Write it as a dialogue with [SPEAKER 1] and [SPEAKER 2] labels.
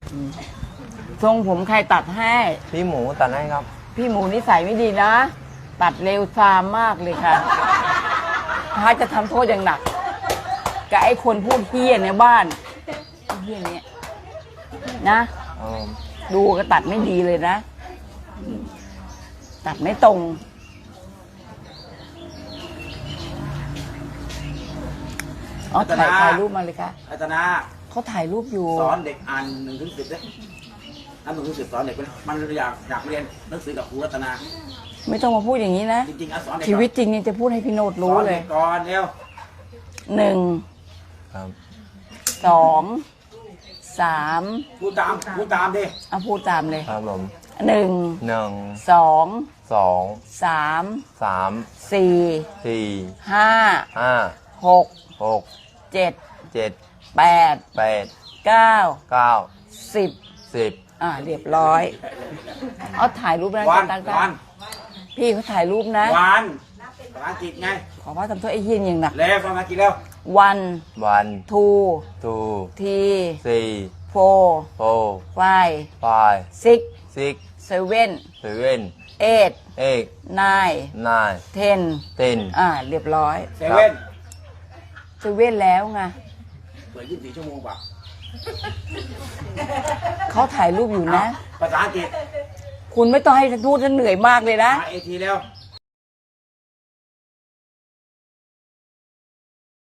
[SPEAKER 1] ทรงผมใครตัดให้
[SPEAKER 2] พี่หมูตัดให้ครับ
[SPEAKER 1] พี่หมูนิสัยไม่ดีนะ ตัดเร็วซามมากเลยค่ะพระจะทำโทษอย่างหนักกับไอ้คนพูดเฮี้ยในบ้านเฮี้ยเนี้ยนะ ดูก็ตัดไม่ดีเลยนะ ตัดไม่ตรงอ๋อถ่ายรูปมาเลยค่ะ
[SPEAKER 3] รัตนา
[SPEAKER 1] เขาถ่ายรูปอยู่
[SPEAKER 3] สอนเด็กอ่าน1 ถึง 10เลยอ่าน1 ถึง 10สอนเด็กไปเลยมันอยากเรียนหนังสือกับครูรัตนา
[SPEAKER 1] ไม่ต้องมาพูดอย่างนี้นะ
[SPEAKER 3] จริงๆสอนเด็ก
[SPEAKER 1] ชีวิตจริงนี่จะพูดให้พี่โนดรู้เลย
[SPEAKER 3] สอนด็กก่อนเร็ว
[SPEAKER 1] 1
[SPEAKER 2] ครับ
[SPEAKER 1] 2 3
[SPEAKER 3] พูดตามดิ
[SPEAKER 1] เอาพูดตามเลย
[SPEAKER 2] ครับผม
[SPEAKER 1] 1
[SPEAKER 2] 1
[SPEAKER 1] 2
[SPEAKER 2] 2
[SPEAKER 1] 3
[SPEAKER 2] 3
[SPEAKER 1] 4
[SPEAKER 2] 4
[SPEAKER 1] 5
[SPEAKER 2] 5
[SPEAKER 1] 6
[SPEAKER 2] 6
[SPEAKER 1] 7
[SPEAKER 2] 7
[SPEAKER 1] 8
[SPEAKER 2] 8
[SPEAKER 1] 9
[SPEAKER 2] 9
[SPEAKER 1] 10
[SPEAKER 2] 10
[SPEAKER 1] เรียบร้อยเอาถ่ายรูปนะ
[SPEAKER 3] วัน
[SPEAKER 1] ตั้ง
[SPEAKER 3] วัน
[SPEAKER 1] พี่เขาถ่ายรูปนะ
[SPEAKER 3] วันภาษาอังกฤษไง
[SPEAKER 1] ขอว่าทำโทษไอ้เฮียนอย่างหนัก
[SPEAKER 3] เร็วภาษาอังกฤษเร็ว
[SPEAKER 1] 1
[SPEAKER 2] 1
[SPEAKER 1] 2
[SPEAKER 2] 2
[SPEAKER 1] 3
[SPEAKER 2] 3
[SPEAKER 1] 4
[SPEAKER 2] 4
[SPEAKER 1] 5
[SPEAKER 2] 5
[SPEAKER 1] 6
[SPEAKER 2] 6
[SPEAKER 1] 7
[SPEAKER 2] 7
[SPEAKER 1] 8
[SPEAKER 2] 8
[SPEAKER 1] 9
[SPEAKER 2] 9
[SPEAKER 1] 10
[SPEAKER 2] 10
[SPEAKER 1] เรียบร้อย
[SPEAKER 3] เซเว่น
[SPEAKER 1] เซเว่นแล้วไง
[SPEAKER 3] เปิด24 ชั่วโมงเปล่า
[SPEAKER 1] เขาถ่ายรูปอยู่นะ
[SPEAKER 3] ภาษาอังกฤษ
[SPEAKER 1] คุณไม่ต้องให้ฉันพูดฉันเหนื่อยมากเลยนะ
[SPEAKER 3] มาเอทีเร็ว